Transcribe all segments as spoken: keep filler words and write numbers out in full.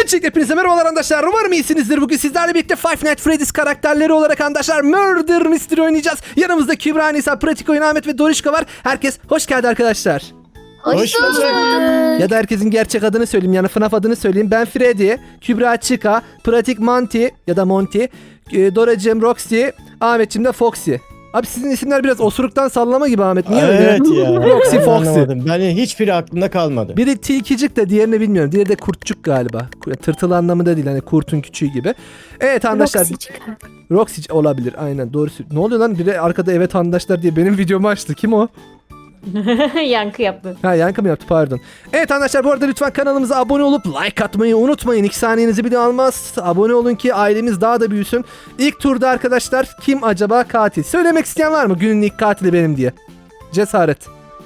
Öncelikle hepinize merhabalar arkadaşlar. Umarım iyisinizdir. Bugün sizlerle birlikte Five Nights Freddy's karakterleri olarak arkadaşlar Murder Mystery oynayacağız. Yanımızda Kübra, Nisa, Pratik Oyun, Ahmet ve Dorişka var. Herkes hoş geldi arkadaşlar. Hoş bulduk. Ya da herkesin gerçek adını söyleyeyim, yani F NAF adını söyleyeyim. Ben Freddy, Kübra Chica, Pratik Monty ya da Monty, Doracığım Roxy, Ahmetciğim de Foxy. Abi sizin isimler biraz osuruktan sallama gibi Ahmet. Niye öyle? Evet ya. Roxy, Ben Foxy. anlamadım. Ben hiçbiri aklımda kalmadı. Biri tilkicik de diğerini bilmiyorum. Diğeri de kurtçuk galiba. Tırtıl anlamında değil, hani kurtun küçüğü gibi. Evet arkadaşlar. Roxy Roxy olabilir aynen, doğru. Ne oluyor lan? Biri arkada evet arkadaşlar diye benim videomu açtı. Kim o? Yankı yaptı. Ha, yankı mı yaptı, pardon. Evet arkadaşlar, bu arada lütfen kanalımıza abone olup like atmayı unutmayın. İki saniyenizi bile almaz. Abone olun ki ailemiz daha da büyüsün. İlk turda arkadaşlar kim acaba katil? Söylemek isteyen var mı? Günün ilk katili benim diye. Cesaret.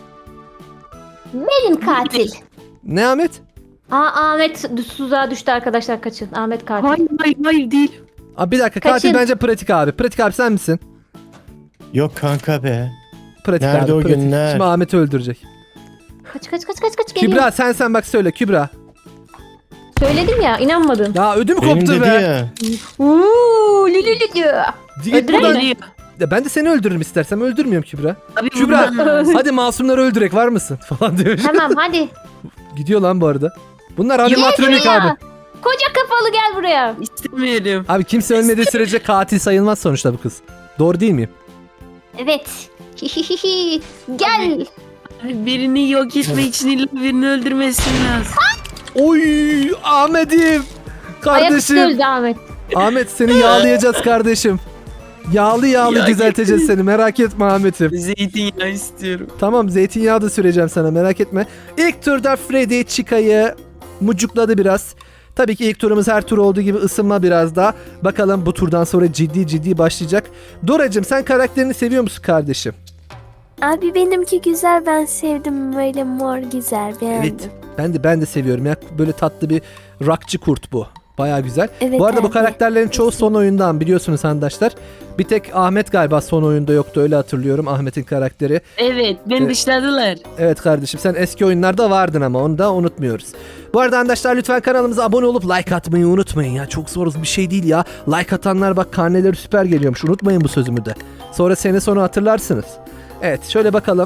Benim katil. Ne Ahmet? Aa, Ahmet tuzağa düştü arkadaşlar, kaçın. Ahmet katil. Hayır hayır hayır değil. Abi bir dakika, Kaçın. katil bence Pratik abi. Pratik abi sen misin? Yok kanka be. Pratik Nerede abi. o pratik. günler? Şimdi Ahmet'i öldürecek. Kaç kaç kaç kaç kaç geliyor. Kübra sen sen bak söyle Kübra. Söyledim ya, inanmadın. Ya ödüm Benim koptu dedi be. ya. Uuu lülülü diyor. Git Öldürelim buradan. mi? Ya ben de seni öldürürüm istersem, öldürmüyorum Kübra. Abi Kübra buradan- hadi masumları öldürek, var mısın falan diyor. Tamam hadi. Gidiyor lan bu arada. Bunlar animatronik buraya. abi. Koca kafalı gel buraya. İstemiyorum. Abi kimse ölmediği sürece katil sayılmaz sonuçta bu kız. Doğru değil miyim? Evet. Hihihihi. Gel. Abi birini yok etmek için illa birini öldürmesin lazım. Oy Ahmet'im. Ayaküstü Kardeşim. öldü Ahmet. Ahmet seni yağlayacağız kardeşim. Yağlı yağlı Ya düzelteceğiz seni, merak etme Ahmet'im. Zeytinyağı istiyorum. Tamam, zeytinyağı da süreceğim sana, merak etme. İlk turda Freddy Chica'yı mucukladı biraz. Tabii ki ilk turumuz her tur olduğu gibi ısınma biraz daha. Bakalım bu turdan sonra ciddi ciddi başlayacak. Doracığım sen karakterini seviyor musun kardeşim? Abi benimki güzel, ben sevdim, böyle mor güzel, beğendim. Evet. Ben de ben de seviyorum ya. Böyle tatlı bir rockçı kurt bu. Baya güzel. Evet Bu arada bu abi. karakterlerin çoğu son oyundan, biliyorsunuz arkadaşlar. Bir tek Ahmet galiba son oyunda yoktu, öyle hatırlıyorum Ahmet'in karakteri. Evet beni Evet. dışladılar. Evet kardeşim, sen eski oyunlarda vardın ama onu da unutmuyoruz. Bu arada arkadaşlar lütfen kanalımıza abone olup like atmayı unutmayın ya. Çok zor bir şey değil ya. Like atanlar bak karneleri süper geliyormuş. Unutmayın bu sözümü de. Sonra sene sonu hatırlarsınız. Evet şöyle bakalım.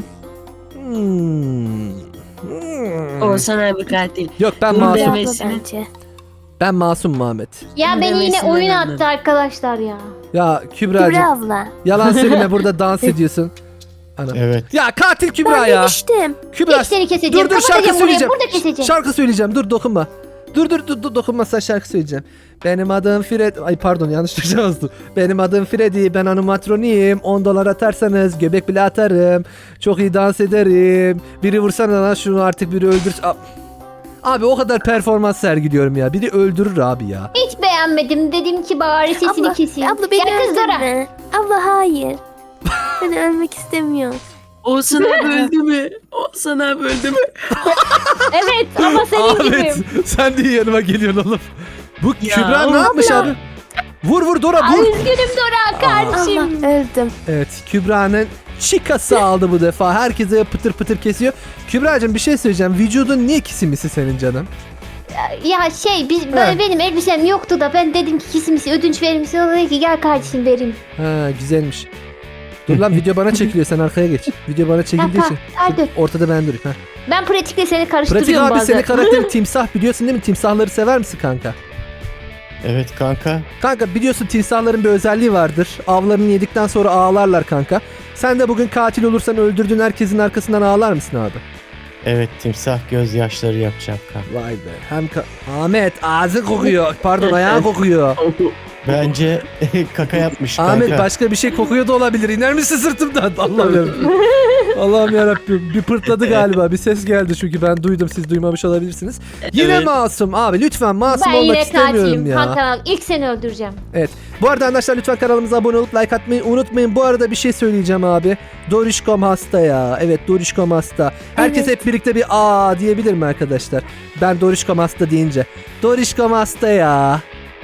Hmm. Hmm. Oğuzhan abi katil. Yok ben Dur masum. be. Abla Demesine. bence. Ben masum Muhammed. Ya beni yine Demesine oyun rağmen. attı arkadaşlar ya. Ya Kübra'cığım. Kübra abla. Yalan söyleme, burada dans ediyorsun. Anam. Evet. Ya katil Kübra Ben ya. demiştim. Kübra. İlk seni keseceğim. Dur dur şarkı Kapatacağım buraya, söyleyeceğim. burada keseceğim. Şarkı söyleyeceğim. Dur dokunma. Dur dur dur, dur dokunmazsan şarkı söyleyeceğim. Benim adım Fred. Ay pardon, yanlış yazdım. Benim adım Freddy. Ben animatroniyim. on dolar atarsanız göbek bile atarım. Çok iyi dans ederim. Biri vursana lan şunu, artık biri öldür. A- Abi o kadar performans sergiliyorum ya. Biri öldürür abi ya. Hiç beğenmedim. Dedim ki bari sesini Abla, keseyim. abla beni Gel kız Dora. öldürme. Abla hayır. Ben ölmek istemiyorum. Oğuzhan abi öldü mü? Oğuzhan abi öldü mü? Evet ama senin Ahmet gibi. sen de yanıma geliyorsun oğlum. Bu Ya, Kübra ne yapmış abla. abi? Vur vur Dora Ay, vur. üzgünüm Dora kardeşim. Allah öldüm. Evet Kübra'nın çikası aldı bu defa. Herkese pıtır pıtır kesiyor. Kübra'cığım bir şey söyleyeceğim. Vücudun niye kisimisi senin canım? Ya şey biz, He. böyle benim elbisem yoktu da ben dedim ki kesimisi ödünç verir misin? O dedi ki gel kardeşim vereyim. Ha güzelmiş. Dur lan video bana çekiliyor, sen arkaya geç. Video bana çekildiği Ha, için. ha, hadi. Ortada ben durayım. Ha. Ben pratikle seni Pratik karıştırıyorum abi, bazen. senin karakterin timsah, biliyorsun değil mi? Timsahları sever misin kanka? Evet kanka. Kanka biliyorsun timsahların bir özelliği vardır. Avlarını yedikten sonra ağlarlar kanka. Sen de bugün katil olursan öldürdüğün herkesin arkasından ağlar mısın abi? Evet, timsah gözyaşları yapacağım kanka. Vay be. Hem ka- Ahmet ağzı kokuyor. Pardon ayağın kokuyor. Bence kaka yapmış kanka. Ahmet başka bir şey kokuyor da olabilir. İner misin sırtımdan? Allah'ım yarabbim. Allah'ım yarabbim. Bir pırtladı galiba. Bir ses geldi çünkü ben duydum. Siz duymamış olabilirsiniz. Yine Evet. masum. Abi lütfen masum Ben olmak yine istemiyorum katilim. ya. Kanka ilk seni öldüreceğim. Evet. Bu arada arkadaşlar lütfen kanalımıza abone olup like atmayı unutmayın. Bu arada bir şey söyleyeceğim abi. Dorişkom hasta ya. Evet Dorişkom hasta. Herkes Evet. hep birlikte bir aa diyebilir mi arkadaşlar? Ben Dorişkom hasta deyince. Dorişkom hasta ya.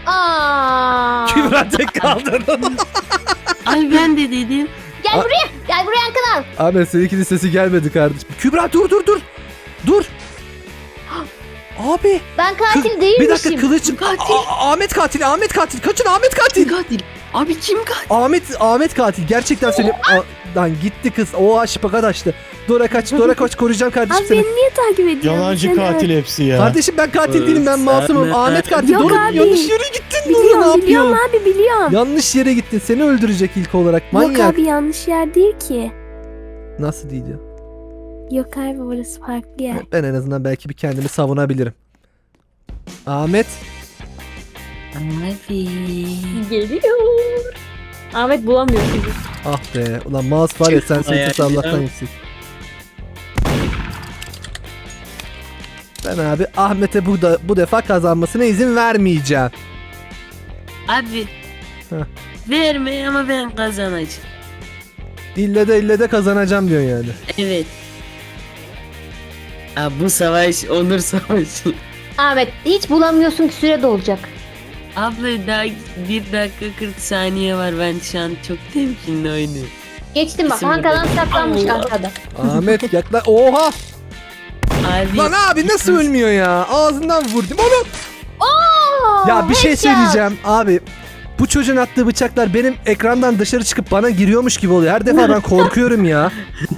Aa. Kübra tek kaldın. Ay ben de dedim. Gel Aa. buraya. Gel buraya Ankara. Ahmet seninkinin sesi gelmedi kardeşim. Kübra dur dur dur. Dur. Abi. Ben kız- katil değilmişim. Bir dakika kılıç. Katil. A- A- Ahmet katil. Ahmet katil. Kaçın Ahmet katil. Kim katil? Abi kim katil? Ahmet Ahmet katil. Gerçekten söyleyeyim. A- Lan gitti kız. O şıpakat açtı. Dora kaç. Dora kaç. Koruyacağım kardeşim Abi seni. beni niye takip ediyorsun? Yalancı Sen- katil hepsi ya. Kardeşim ben katil değilim. Ben masumum. Sen- Ahmet katil. Yok Dora abi. yanlış yere gittin. Dora ne Biliyorum biliyorum yapıyorsun? abi biliyorum. Yanlış yere gittin. Seni öldürecek ilk olarak. Manyak. Yok abi yanlış yer değil ki. Nasıl değil ya? Yok abi burası farklı yer. Ben en azından belki bir kendimi savunabilirim. Ahmet. Abi. Geliyor. Ahmet bulamıyor bizi. Ah be. Ulan mouse var ya sen sessiz Hayal Allah'tan ya. yüksek. Ben abi Ahmet'e bu da bu defa kazanmasına izin vermeyeceğim. Abi. Heh. Verme ama ben kazanacağım. İlle de ille de kazanacağım diyorsun yani. Evet. Abi bu savaş onur savaşı. Ahmet hiç bulamıyorsun ki süre dolacak. Abla daha bir dakika kırk saniye var, ben şu an çok temkinli oynuyorum. Geçtim bak. İsim Hankadan de- saklanmış Allah. arkada. Ahmet yakla. Oha! Abi. Lan abi nasıl ölmüyor ya? Ağzından vurdum onu. Oo, Ya bir şey headshot. söyleyeceğim abi. Bu çocuğun attığı bıçaklar benim ekrandan dışarı çıkıp bana giriyormuş gibi oluyor. Her defa ben korkuyorum ya.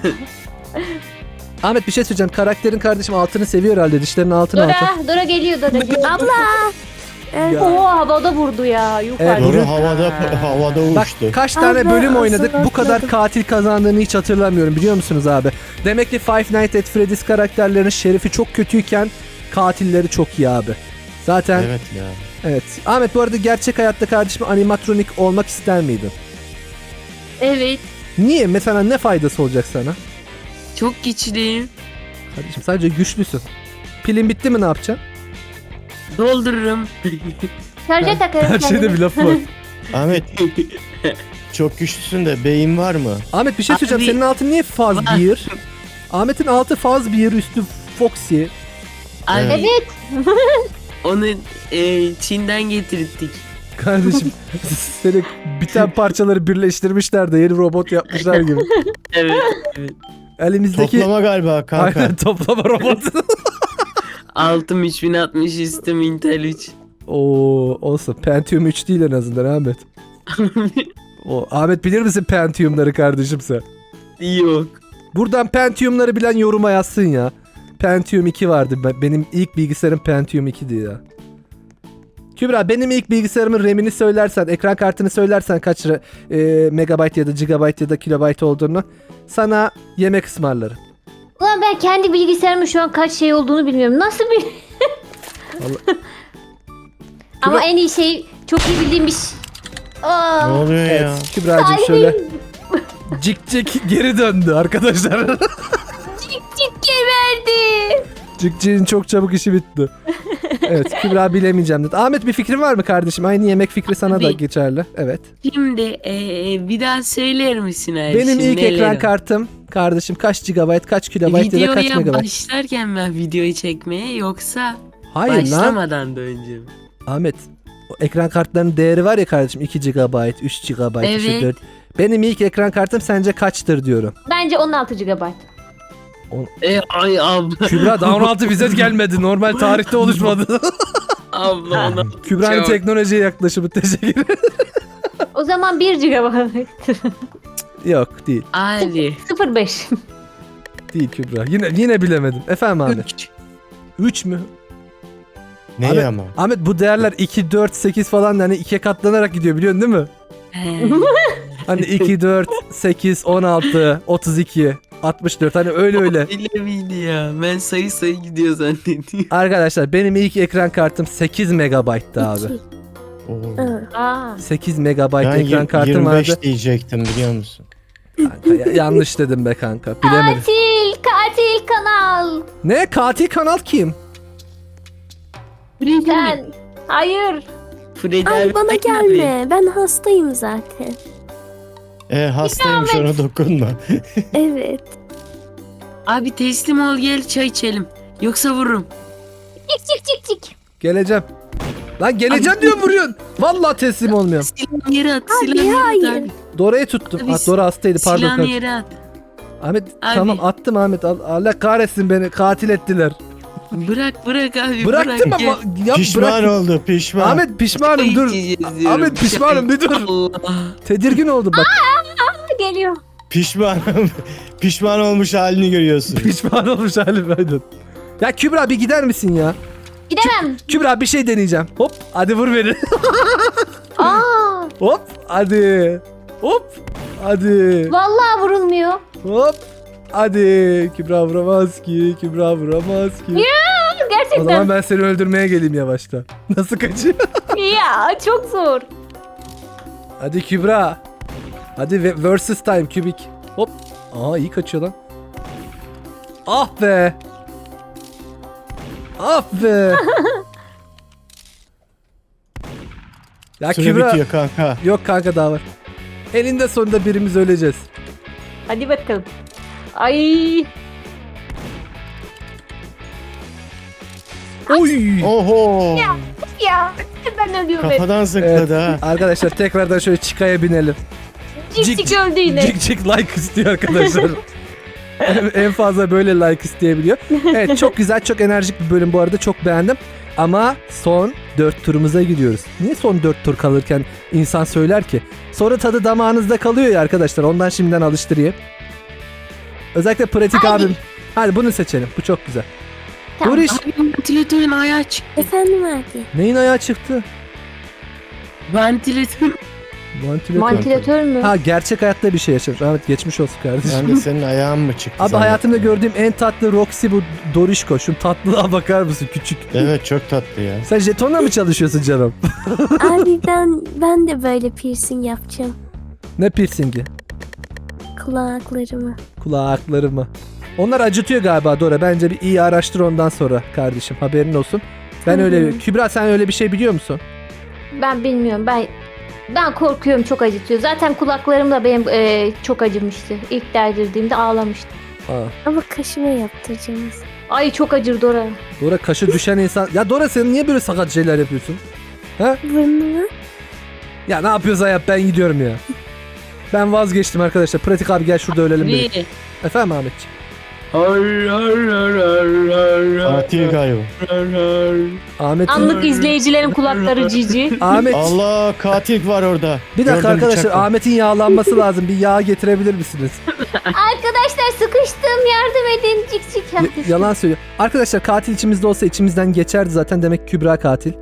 Ahmet bir şey söyleyeceğim. Karakterin kardeşim altını seviyor herhalde. Dişlerinin altını altı. Dora, Dora geliyor Dora geliyor. Abla. Evet. Ya. Oo havada vurdu ya. Yuh Evet, artık. Doğru havada havada Bak uçtu. kaç tane Abi, bölüm oynadık. aslında Bu kadar hatırladım. katil kazandığını hiç hatırlamıyorum. Biliyor musunuz abi? Demek ki Five Nights at Freddy's karakterlerinin şerifi çok kötüyken katilleri çok iyi abi. Zaten evet. Evet ya. Ahmet bu arada gerçek hayatta kardeşim animatronik olmak ister miydin? Evet. Niye? Mesela ne faydası olacak sana? Çok güçlüyüm. Kardeşim sadece güçlüsün. Pilin bitti mi ne yapacaksın? Doldururum. Şarja takarım Her şeyde kendimi. bir laf var. Ahmet çok güçlüsün de beyin var mı? Ahmet bir şey söyleyeceğim. Abi- Senin altın niye faz Var. bir? Ahmet'in altı faz bir, üstü Foxy. Abi Evet. onu e, Çin'den getirttik. Kardeşim seni biten parçaları birleştirmişler de yeni robot yapmışlar gibi. Evet. evet. Elimizdeki Toplama galiba kanka. aynen toplama robotu. Altım üç bin altmış, üstüm Intel üç. Oo olsun. Pentium üç değil en azından Ahmet. O, Ahmet bilir misin Pentium'ları kardeşim sen? Yok. Buradan Pentium'ları bilen yoruma yazsın ya. Pentium iki vardı. Ben- Benim ilk bilgisayarım Pentium ikiydi ya. Kübra benim ilk bilgisayarımın RAM'ini söylersen, ekran kartını söylersen kaç e, megabayt ya da gigabayt ya da kilobayt olduğunu sana yemek ısmarlarım. Ulan ben kendi bilgisayarımın şu an kaç şey olduğunu bilmiyorum. Nasıl bir... Vallahi- Ama Kübra- en iyi şey çok iyi bildiğim bir şey. Aa, Ne oluyor Evet ya? Kübra'cığım Kalbim. şöyle cik cik geri döndü arkadaşlar. Cik geberdi. Cik cik'in çok çabuk işi bitti. Evet Kübra bilemeyeceğim dedi. Ahmet bir fikrin var mı kardeşim? Aynı yemek fikri sana da Abi. geçerli. Evet. Şimdi e, bir daha söyler misin abi? Benim Şimdi ilk neler ekran var? kartım kardeşim kaç gigabayt, kaç kilobayt ya da kaç Videoya megabayt? başlarken ben videoyu çekmeye, yoksa Hayır lan. başlamadan da önce mi? Ahmet o ekran kartlarının değeri var ya kardeşim iki gigabayt, üç gigabayt, Evet. işte dört. Benim ilk ekran kartım sence kaçtır diyorum. Bence on altı gigabayt. E, ay abla. Kübra daha on altı bize gelmedi. Normal tarihte oluşmadı. Abla ona. Kübra'nın Çok. teknolojiye yaklaşımı teşekkür ederim. O zaman bir gigabayt. Yok değil. Abi. sıfır virgül beş. Değil Kübra. Yine yine bilemedim. Efendim Ahmet. Üç. üç mü? Neyi Ahmet- ama? Ahmet bu değerler iki, dört, sekiz falan hani ikiye katlanarak gidiyor biliyorsun değil mi? He. Hani iki, dört, sekiz, on altı, otuz iki, altmış dört hani öyle öyle. Öyle miydi ya? Ben sayı sayı gidiyor zannediyorum. Arkadaşlar benim ilk ekran kartım sekiz megabayttı abi. İki. Oo. Hı. Aa. sekiz megabayt Ben ekran y- kartım yirmi beş vardı. diyecektim biliyor musun? Kanka, ya- yanlış dedim be kanka. Bilemedim. Katil, katil kanal. Ne? Katil kanal kim? Freddy mi? Sen. Hayır. Freddy Ay abi, bana abi. gelme. Ben hastayım zaten. E hastaymış ona dokunma. Evet. Abi teslim ol, gel çay içelim. Yoksa vururum. Çık çık çık çık. Geleceğim. Lan geleceğim diyorum vuruyorsun. Vallahi teslim olmuyorum. Silahını yere at. Abi, Silahını yere at hayır. abi. Dora'yı tuttum. Abi, Ah, Dora hastaydı pardon. Silahını kardeşim. yere at. Ahmet Abi. tamam attım Ahmet. Al- Allah kahretsin beni. Katil ettiler. Bırak bırak abi Bıraktım bırak. ama ya Pişman bırak. oldu pişman. Ahmet pişmanım dur. Ahmet pişmanım bir dur. Allah. Tedirgin oldum bak. Geliyor. Pişmanım. Pişman olmuş halini görüyorsun. Pişman olmuş halim ben. Ya Kübra bir gider misin ya? Gidemem. Kübra bir şey deneyeceğim. Hop hadi vur beni. Aa, Hop hadi. Hop hadi. vallahi vurulmuyor. Hop hadi. Kübra vuramaz ki. Kübra vuramaz ki. O zaman Gerçekten. ben seni öldürmeye geleyim yavaşta. Nasıl kaçıyor? Ya çok zor. Hadi Kübra. Hadi ve- versus time kübik. Hop. Aa iyi kaçıyor lan. Ah be. Ah be. Ya Süre Kübra. bitiyor kanka. Yok kanka daha var. Eninde sonunda birimiz öleceğiz. Hadi bakalım. Ay. Oy. Oho. Ya ben ölüyorum. hep. Kafadan Evet. zıpladı ha. Arkadaşlar tekrardan şöyle çıkaya binelim. Cik cik öldü yine. Cik cik like istiyor arkadaşlar. en, en fazla böyle like isteyebiliyor. Evet çok güzel çok enerjik bir bölüm bu arada çok beğendim. Ama son dört turumuza gidiyoruz. Niye son dört tur kalırken insan söyler ki? Sonra tadı damağınızda kalıyor ya arkadaşlar ondan şimdiden alıştırayım. Özellikle pratik Hadi. abim. Hadi bunu seçelim bu çok güzel. Tamam. Doriş. Abi ventilatörün ayağı çıktı. Efendim abi. Neyin ayağı çıktı? Ventilatör. Vantilatör. Vantilatör mü? Ha gerçek hayatta bir şey yaşamış. Ahmet geçmiş olsun kardeşim. Ben de senin ayağın mı çıktı? Abi zannettim. hayatımda gördüğüm en tatlı Roxy bu Dorişko. Şu tatlılığa bakar mısın küçük? Evet çok tatlı ya. Sen jetonla mı çalışıyorsun canım? Abi ben ben de böyle piercing yapacağım. Ne piercingi? Kulaklarımı. Kulaklarımı. Onlar acıtıyor galiba Dora. Bence bir iyi araştır ondan sonra kardeşim. Haberin olsun. Ben Hı hı. öyle... Kübra sen öyle bir şey biliyor musun? Ben bilmiyorum. Ben ben korkuyorum çok acıtıyor. Zaten kulaklarım da benim e, çok acımıştı. İlk derdirdiğimde ağlamıştım. Aa. Ama kaşıma yaptıracağım. Ay çok acır Dora. Dora kaşı düşen insan... Ya Dora sen niye böyle sakat şeyler yapıyorsun? Burnumu. Ya ne yapıyorsa yap ben gidiyorum ya. Ben vazgeçtim arkadaşlar. Pratik abi gel şurada ölelim dedim. Bir. Efendim Ahmetciğim. Har har har har har har Katil galiba. har har. Ahmet. Anlık izleyicilerin kulakları cici. Ahmet. Allah katil var orada. Bir dakika Gördüm arkadaşlar bıçakla. Ahmet'in yağlanması lazım. Bir yağ getirebilir misiniz? Arkadaşlar sıkıştım yardım edin cik cik Y- yaptı. yalan söylüyor. Arkadaşlar katil içimizde olsa içimizden geçerdi zaten. Demek Kübra katil.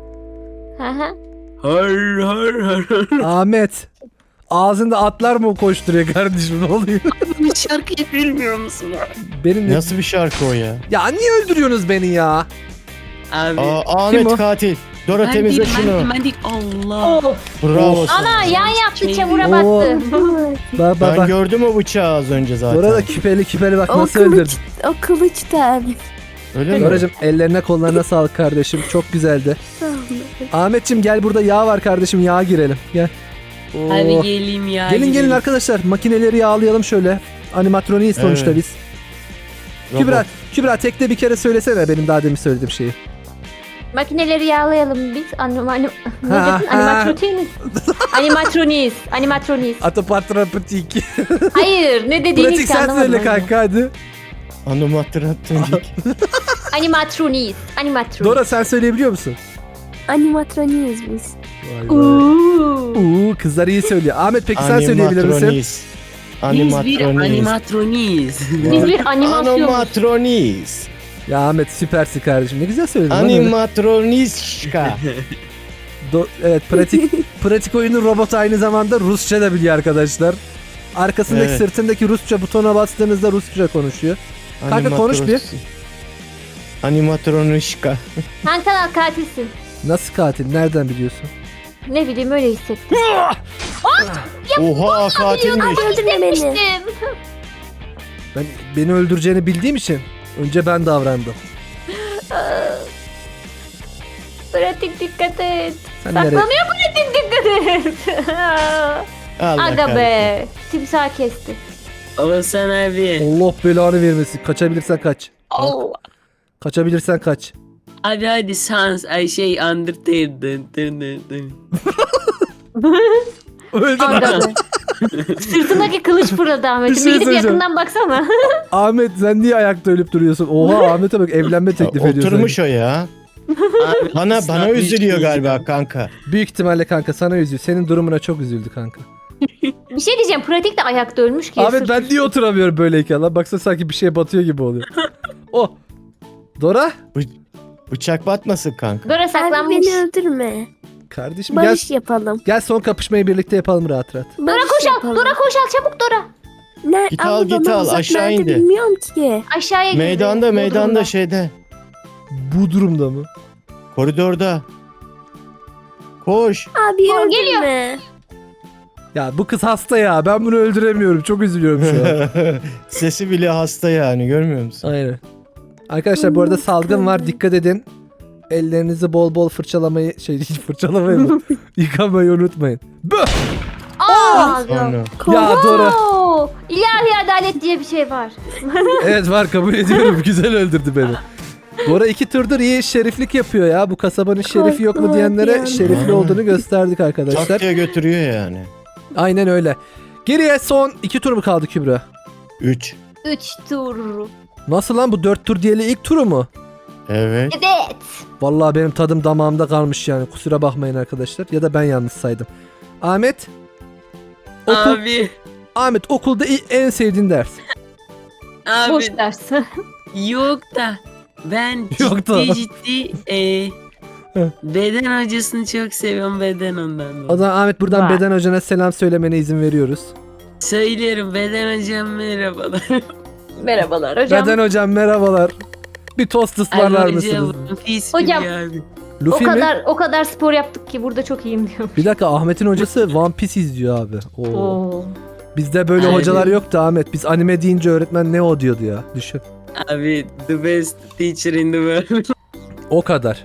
Hı hı. Har har har har. Ahmet. Ağzında atlar mı koşturuyor kardeşim ne oluyor? Bu şarkıyı bilmiyor musun? Benim ne? Nasıl bir şarkı o ya? Ya niye öldürüyorsunuz beni ya? Abi. Aa, Kim o? Ahmet katil. Dora ben temizle değilim, ben şunu. değilim, ben değilim. Allah. Oh. Bravo sana. Ana yan yaptı Şey- çamura Oo. battı. Bak bak Ben bak. gördüm o bıçağı az önce zaten. Dora da küpeli küpeli bak O nasıl kılıç, öldürdün. o kılıç da abi. Öyle mi? Doracığım ellerine kollarına sağlık kardeşim. Çok güzeldi. Sağ olun. Ahmetciğim gel burada yağ var kardeşim yağa girelim. Gel. Hadi Oo. geleyim ya. Gelin gelin gidelim. arkadaşlar makineleri yağlayalım şöyle. Animatroniyiz sonuçta Evet. biz. Robot. Kübra, Kübra tekte bir kere söylesene benim daha demin söylediğim şeyi. Makineleri yağlayalım biz. Anim, anim, ne Ha, dedin? ha. Animatroniyiz. Animatroniyiz. Animatroniyiz. Atopatropatiki. Hayır ne dediğini Pratik hiç sen anlamadım. söyle ben. kanka hadi. Animatronik. Animatroniyiz. Animatroniyiz. Dora sen söyleyebiliyor musun? Animatroniyiz biz. Vay vay. Uuu. Uuu kızlar iyi söylüyor. Ahmet peki sen söyleyebilir misin? Animatroniz. Biz bir Animatroniz. animatroniyiz. Biz bir animasyon. Animatroniz. Ya Ahmet süpersin kardeşim. Ne güzel söyledin. lan öyle. Animatronizka. Do- evet pratik pratik oyunu robot aynı zamanda Rusça da biliyor arkadaşlar. Arkasındaki Evet. sırtındaki Rusça butona bastığınızda Rusça konuşuyor. Kanka konuş bir. Animatronişka. Sen kanal katilsin. Nasıl katil? Nereden biliyorsun? Ne bileyim öyle hissettim. Oha katilmiş. Öldürme beni. Hissetmiştim. Ben beni öldüreceğini bildiğim için önce ben davrandım. Pratik dikkat et. Sen nereye? Saklanıyor pratik dikkat et. Allah Aga kahretsin. be. Timsah kesti. Oğuzhan abi. Allah belanı vermesin. Kaçabilirsen kaç. Allah. Kaçabilirsen kaç. Hadi hadi Sans ay şey Undertale. Dın dın dın dın. Öldün. Aga be. Sırtındaki kılıç fırladı Bir Ahmet'im. şey Bir gidip söyleyeceğim. yakından baksana. Ahmet sen niye ayakta ölüp duruyorsun? Oha Ahmet'e bak evlenme teklif ediyor. Oturmuş sanki. o ya. Abi, Bana bana ıslatmış üzülüyor gibi. galiba kanka. Büyük ihtimalle kanka sana üzüldü. Senin durumuna çok üzüldü kanka. Bir şey diyeceğim. Pratik de ayakta ölmüş ki. Ahmet Sırt ben üstü. niye oturamıyorum böyleyken lan? Baksana sanki bir şey batıyor gibi oluyor. Oh. Dora. Bıçak batmasın kanka. Dora Abi saklanmış. beni öldürme. Kardeşim gel, Barış yapalım. gel son kapışmayı birlikte yapalım rahat rahat. Dora Barış koş al. yapalım. Dora koş al. Çabuk Dora. Ne? Git Ama al, git bana al, uzak aşağı nerede indi. Bilmiyorum ki. Aşağıya girdi. Meydanda Bu meydanda durumda. şeyde. Bu durumda mı? Koridorda. Koş. Abi Tamam, öldürme. geliyor. Ya bu kız hasta ya. Ben bunu öldüremiyorum. Çok üzülüyorum şu an. Sesi bile hasta yani, görmüyor musun? Aynen. Arkadaşlar bu arada salgın var. Dikkat edin. Ellerinizi bol bol fırçalamayı şey fırçalamayı mı? Yıkamayı unutmayın. Böh! Aa, Sonra. Ya Dora. Oo, ilahi adalet diye bir şey var. Evet var kabul ediyorum. Güzel öldürdü beni. Dora iki turdur iyi şeriflik yapıyor ya. Bu kasabanın şerifi yok mu Korkma diyenlere bir şerifli anda. olduğunu gösterdik arkadaşlar. Tak diye götürüyor yani. Aynen öyle. Geriye son iki tur mu kaldı Kübra? Üç. Üç tur. Nasıl lan bu dört tur diyeli ilk turu mu? Evet. Evet. Vallahi benim tadım damağımda kalmış yani. Kusura bakmayın arkadaşlar. Ya da ben yanlış saydım. Ahmet. Okul, Abi. Ahmet okulda i- en sevdiğin ders. Abi. Boş ders. Yok da. Ben Yok da. ciddi ciddi e, beden hocasını çok seviyorum, beden ondan O dolayı. zaman Ahmet buradan Vay. beden hocana selam söylemene izin veriyoruz. Söylüyorum, beden hocam merhabalar. Merhabalar hocam. Beden hocam merhabalar. Bir tost ısmarlar Abi mısınız? hocam, pis Hocam. biri abi. O Luffy mi? kadar o kadar spor yaptık ki burada çok iyiyim diyor. Bir dakika Ahmet'in hocası One Piece izliyor abi. Oo. Oo. Bizde böyle Aynen. hocalar yoktu Ahmet. Biz anime deyince öğretmen ne o diyordu ya. Düşün. Abi the best teacher in the world. O kadar.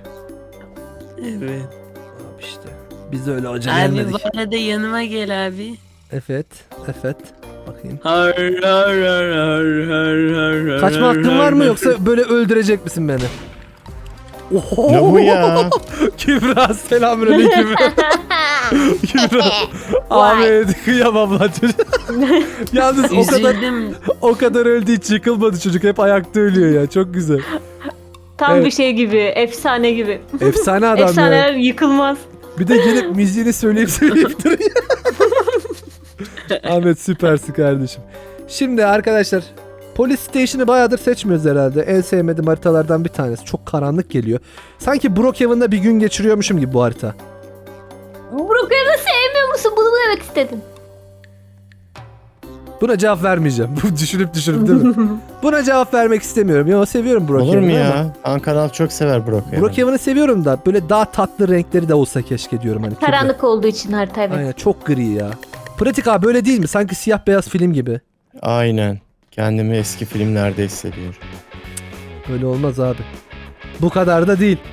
Evet. Abi işte. Biz öyle hoca Abi gelmedik. bu arada yanıma gel abi. Evet. Evet. Bakayım. Har har har har har har har Kaçma hakkın har var mı har. yoksa böyle öldürecek misin beni? Oho. Ne bu ya? Kübra selamünaleyküm. Kübra. Ahmet kıyamam lan çocuk. Yalnız o kadar Üzüldüm. o kadar öldü hiç yıkılmadı çocuk. Hep ayakta ölüyor ya. Çok güzel. Tam Evet. bir şey gibi, efsane gibi. Efsane adam ya. Efsaneler yıkılmaz. Bir de gelip müziğini söyleyip söyleyip duruyor. Ahmet süpersin kardeşim. Şimdi arkadaşlar Police Station'ı bayağıdır seçmiyoruz herhalde. En sevmediğim haritalardan bir tanesi. Çok karanlık geliyor. Sanki Brookhaven'da bir gün geçiriyormuşum gibi bu harita. Brookhaven'ı sevmiyor musun? Bunu mu demek istedin? Buna cevap vermeyeceğim. Bu düşünüp düşünüp değil mi? Buna cevap vermek istemiyorum. Ya seviyorum Brookhaven'ı. Olur mu ama ya? Ankara'l çok sever Brockhaven'ı. Brookhaven'ı seviyorum da böyle daha tatlı renkleri de olsa keşke diyorum. Hani Karanlık olduğu için harita evet. Aynen çok gri ya. Pratik abi böyle değil mi? Sanki siyah beyaz film gibi. Aynen. Kendimi eski filmlerde hissediyorum. Öyle olmaz abi. Bu kadar da değil.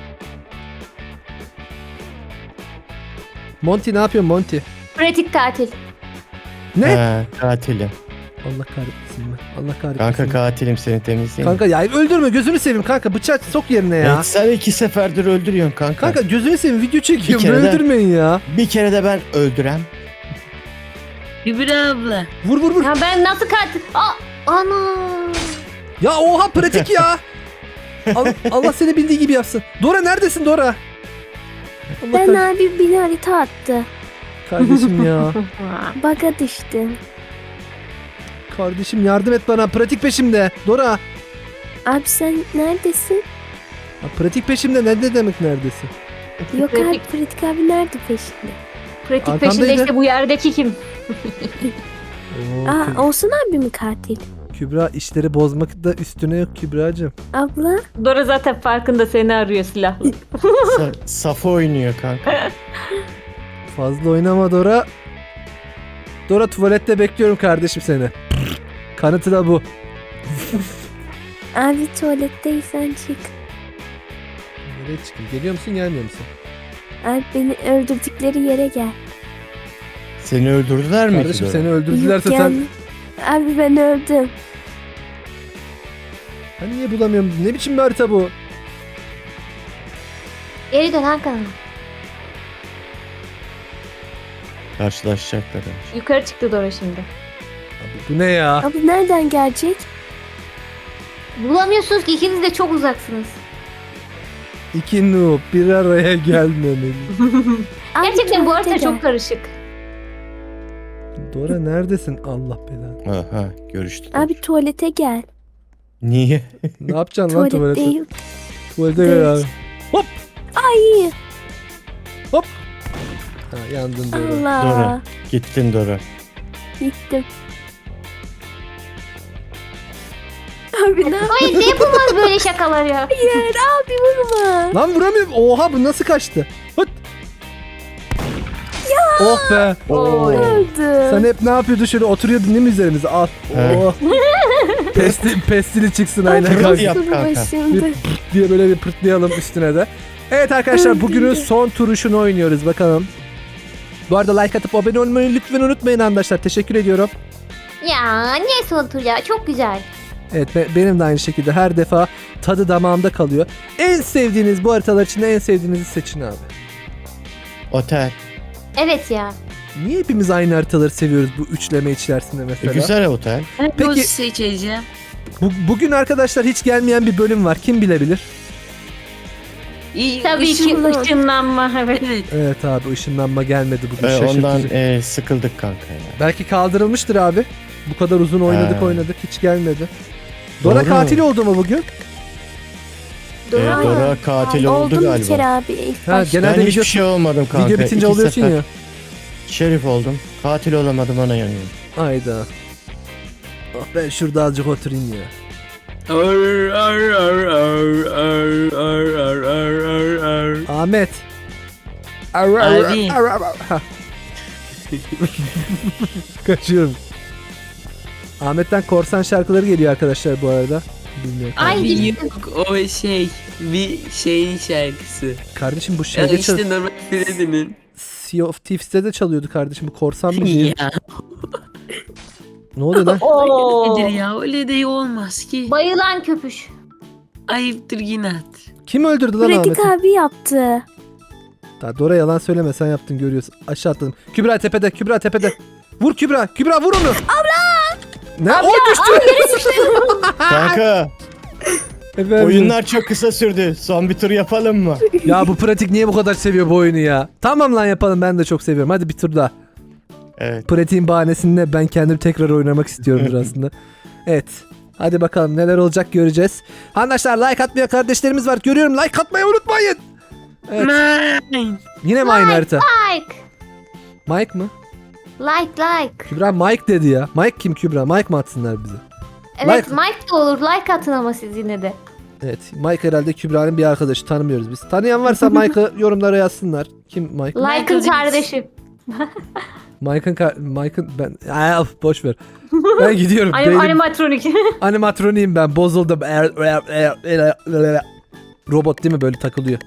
Monty ne yapıyorsun Monty? Pratik tatil. Ne? He, katilim. Allah kahretsin ben. Allah kahretsin. Kanka katilim, seni temizleyeyim. Kanka ya öldürme gözünü seveyim kanka bıçak sok yerine ya. Evet, sen iki seferdir öldürüyorsun kanka. Kanka gözünü seveyim video çekiyorum Bir kere de- öldürmeyin ya. Bir kere de ben öldürem. Kübra abla. Vur vur vur. Ya ben nasıl katil? Aa, ana. Ya oha pratik ya. Allah, Allah seni bildiği gibi yapsın. Dora neredesin Dora? Allah Ben kahretsin. abi beni harita attı. Kardeşim ya. Baga düştüm. Kardeşim yardım et bana pratik peşimde. Dora. Abi sen neredesin? Ha, pratik peşimde ne, ne demek neredesin? Yok abi Pratik. Pratik abi nerede peşinde? Pratik Arkandaydı. peşinde işte bu yerdeki kim? Oo, Aa Kü- Olsun abi mi katil? Kübra işleri bozmak da üstüne yok Kübra'cığım. Abla Dora zaten farkında seni arıyor silahlı. Sa- Safo oynuyor kanka. Fazla oynama Dora. Dora tuvalette bekliyorum kardeşim seni. Kanıtı da bu. abi tuvaletteysen çık. Nereye çıkayım? Geliyor musun gelmiyor musun? Abi beni öldürdükleri yere gel. Seni öldürdüler mi? Kardeşim ki seni Dora? öldürdülerse Yok, sen... gel. Abi ben öldüm. Ben niye bulamıyorum? Ne biçim bir harita bu? Geri dön Hakan. Karşılaşacaklar. Yukarı çıktı Dora şimdi. Abi bu ne ya? Abi nereden gelecek? Bulamıyorsunuz ki ikiniz de çok uzaksınız. İki noob bir araya gelmemeli. Abi Gerçekten bu harita tuvalete çok gel. karışık. Dora neredesin? Allah belanı. Aha görüştük. Abi tuvalete gel. Niye? Ne yapacaksın lan Tuvalet tuvalete? değil. Tuvalete gel abi. Ay Ha, yandın Dora. Allah. Dora. Gittin Dora. Gittim. Abi ne Hayır ne yapılmaz böyle şakalar ya. yapıyorsun? Abi vurma. Lan vuramıyorum. Oha bu nasıl kaçtı? Hıt. Oh be. Oy. Öldü. Sen hep ne yapıyordun şöyle oturuyordun değil mi üzerimize? Al. He. Oh. Pestil, pestili çıksın aynen Pırıl kanka. yap Dur kanka. başımda. diye böyle bir pırtlayalım üstüne de. Evet arkadaşlar bugünün son turuşunu oynuyoruz bakalım. Bu arada like atıp abone olmayı lütfen unutmayın arkadaşlar. Teşekkür ediyorum. Ya niye son tur ya? Çok güzel. Evet be- benim de aynı şekilde her defa tadı damağımda kalıyor. En sevdiğiniz bu haritalar içinde en sevdiğinizi seçin abi. Otel. Evet ya. Niye hepimiz aynı haritaları seviyoruz bu üçleme içerisinde E, mesela? güzel otel. Ben Peki- Peki. seçeceğim. Bu, bugün arkadaşlar hiç gelmeyen bir bölüm var. Kim bilebilir? İyi, Tabii ki ışınlan- ışınlanma. Evet. Evet. Evet abi ışınlanma gelmedi bugün E, şaşırtıcı. ondan e, sıkıldık kanka ya. Belki kaldırılmıştır abi. Bu kadar uzun oynadık He. oynadık hiç gelmedi. Dora Doğru. katil oldu mu bugün? E, Dora. Dora katil oldu Oldum bir kere galiba. abi ilk Ha, başta. genelde Ben hiçbir video- şey olmadım kanka. Video bitince İki oluyorsun sefer ya. Şerif oldum. Katil olamadım ona yanıyorum. Ayda. Ah ben şurada azıcık oturayım ya. Ar, ar, ar, ar, ar, ar, ar, ar, ar, ar. Ahmet. Ar, ar, ar, Abi. ar, ar, ar. Ha. Kaçıyorum. Ahmet'ten korsan şarkıları geliyor arkadaşlar bu arada. Bilmiyorum. Ay Abi gitti. yok o şey bir şeyin şarkısı. Kardeşim bu Ya şeyde çal- işte normal Freddy'nin. Sea of Thieves'te de çalıyordu kardeşim. Bu korsan mı değil? Ya Ne oluyor lan? Oo. nedir ya öyle de olmaz ki. Bayılan köpüş. Ayıptır inat. Kim öldürdü lan Pratik Ahmet'i? abi yaptı. Daha Dora yalan söyleme sen yaptın görüyorsun. Aşağı atladım. Kübra tepede, Kübra tepede. Vur Kübra, Kübra vur onu. Abla! Ne? O düştü. Kanka Efendim? oyunlar çok kısa sürdü. Son bir tur yapalım mı? Ya bu pratik niye bu kadar seviyor bu oyunu ya? Tamam lan yapalım ben de çok seviyorum. Hadi bir tur daha. Evet. Pratiğin bahanesinde ben kendim tekrar oynamak istiyorumdur aslında. Evet. Hadi bakalım neler olacak göreceğiz. Arkadaşlar like atmayan kardeşlerimiz var. Görüyorum like atmayı unutmayın. Evet. Nine. Yine mi aynı harita? Like. Mike mı? Like like. Kübra Mike dedi ya. Mike kim Kübra? Mike mi atsınlar bize? Evet Like. Mike de olur. Like atın ama siz yine de. Evet. Mike herhalde Kübra'nın bir arkadaşı. Tanımıyoruz biz. Tanıyan varsa Mike'ı yorumlara yazsınlar. Kim Mike? Like'ın kardeşi. Mike'ın kar- Mike'ın ben Aa, of, boş ver. Ben gidiyorum. Anim Beynim- animatronik. Animatroniyim ben. Bozuldum. Er- er- er- er- er- Robot değil mi böyle takılıyor.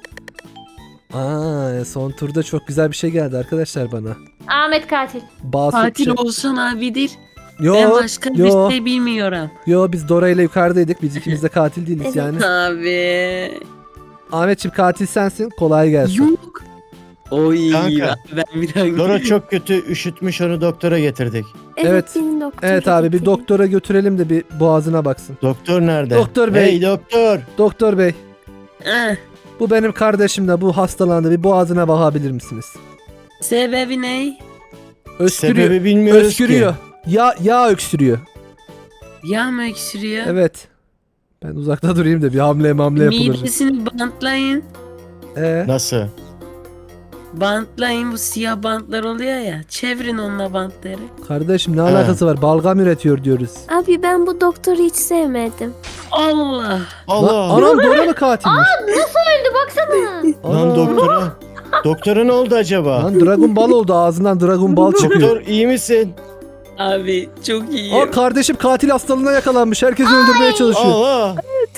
Aa, son turda çok güzel bir şey geldi arkadaşlar bana. Ahmet katil. Basut Katil şey- olsan abidir. Yo, Ben başka yo, bir şey bilmiyorum. yo biz Dora ile yukarıdaydık. Biz ikimiz de katil değiliz Evet. yani. Abi. Ahmetciğim katil sensin. Kolay gelsin. Yok. Oy Kanka. ben bir daha Dora çok kötü üşütmüş onu doktora getirdik. Evet, Evet. benim doktor. Evet abi bir doktora götürelim de bir boğazına baksın. Doktor nerede? Doktor bey. Hey doktor. Doktor bey Ah, bu benim kardeşim de bu hastalandı. Bir boğazına bakabilir misiniz? sebebi ne? Öskürüyor. Sebebi bilmiyoruz Öskürüyor. ki. Ya yağ öksürüyor. Yağ mı öksürüyor? Evet. Ben uzakta durayım da bir hamle mamle yapılır. Midesini bantlayın. Ee, Nasıl? Bantlayın bu siyah bantlar oluyor ya. Çevirin onunla bantları. kardeşim ne alakası var? Balgam üretiyor diyoruz. Abi ben bu doktoru hiç sevmedim. Allah. Allah. Lan, anam Dora mı katilmiş? Öldü baksana. Lan Ana. doktora. Doktora ne oldu acaba? Lan Dragon Ball oldu ağzından Dragon Ball çıkıyor. Doktor iyi misin? Abi çok iyi. Aa kardeşim katil hastalığına yakalanmış. Herkesi öldürmeye çalışıyor. Allah.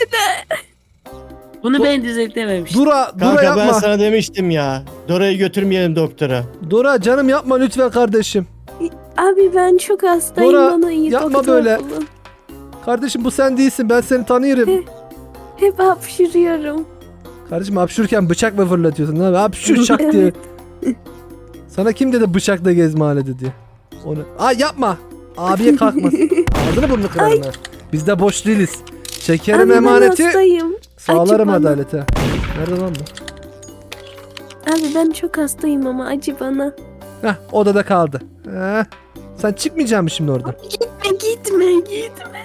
Bunu ben düzeltememiştim. Dura, Dura Kanka ben yapma. sana demiştim ya. Dora'yı götürmeyelim doktora. Dura canım yapma lütfen kardeşim. Abi ben çok hastayım. Dora, Bana iyi yapma doktor böyle. bulun. Kardeşim bu sen değilsin. Ben seni tanıyorum. Hep hapşırıyorum. Kardeşim hapşurken bıçak mı fırlatıyorsun? Ne? Hapşur çak diye. Sana kim dedi bıçakla gez mahallede diye? Onu... Ay yapma. Abiye kalkma. Ağzını burnunu kırarım ha. Biz de boş değiliz. Çekerim Abi ben emaneti. hastayım. Sağlarım Acı bana. adalete. Nerede lan bu? Abi ben çok hastayım ama acı bana. Heh, odada kaldı. Heh. Sen çıkmayacaksın mı şimdi orada? Gitme gitme gitme.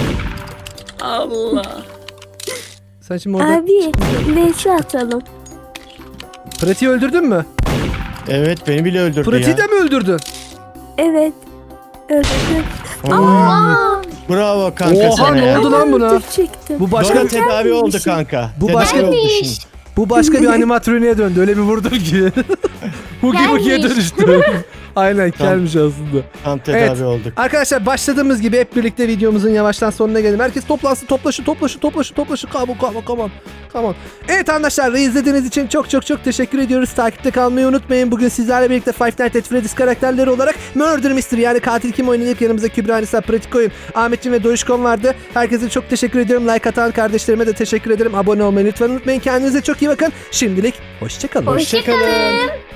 Allah. Sen şimdi orada... Abi vs atalım. Pratiği öldürdün mü? Evet beni bile öldürdü Pratiği ya. de mi öldürdün? Evet. Öldüm. Oo, bravo kanka Oha, sana ne ya. oldu lan buna? Çektim. Bu başka Dora tedavi oldu kanka. Bu Tedavi başka- oldu şimdi. bu başka bir animatroniğe döndü. Öyle bir vurdum ki. Hugi Hugi'ye Gelmiş. dönüştü. Aynen gelmiş aslında. Tam tedavi Evet. olduk. Arkadaşlar başladığımız gibi hep birlikte videomuzun yavaştan sonuna gelelim. Herkes toplansın, toplaşın, toplaşın, toplaşın, toplaşın. Come on, come on, come on. Come on. Evet arkadaşlar, izlediğiniz için çok çok çok teşekkür ediyoruz. Takipte kalmayı unutmayın. Bugün sizlerle birlikte Five Nights at Freddy's karakterleri olarak Murder Mystery yani katil kim oynayıp yanımızda Kübra Nisa, Pratik Oyun, Ahmetciğim ve Doyuşkon vardı. Herkese çok teşekkür ediyorum. Like atan kardeşlerime de teşekkür ederim. Abone olmayı lütfen unutmayın. Kendinize çok iyi bakın. Şimdilik hoşçakalın. Hoşçakalın.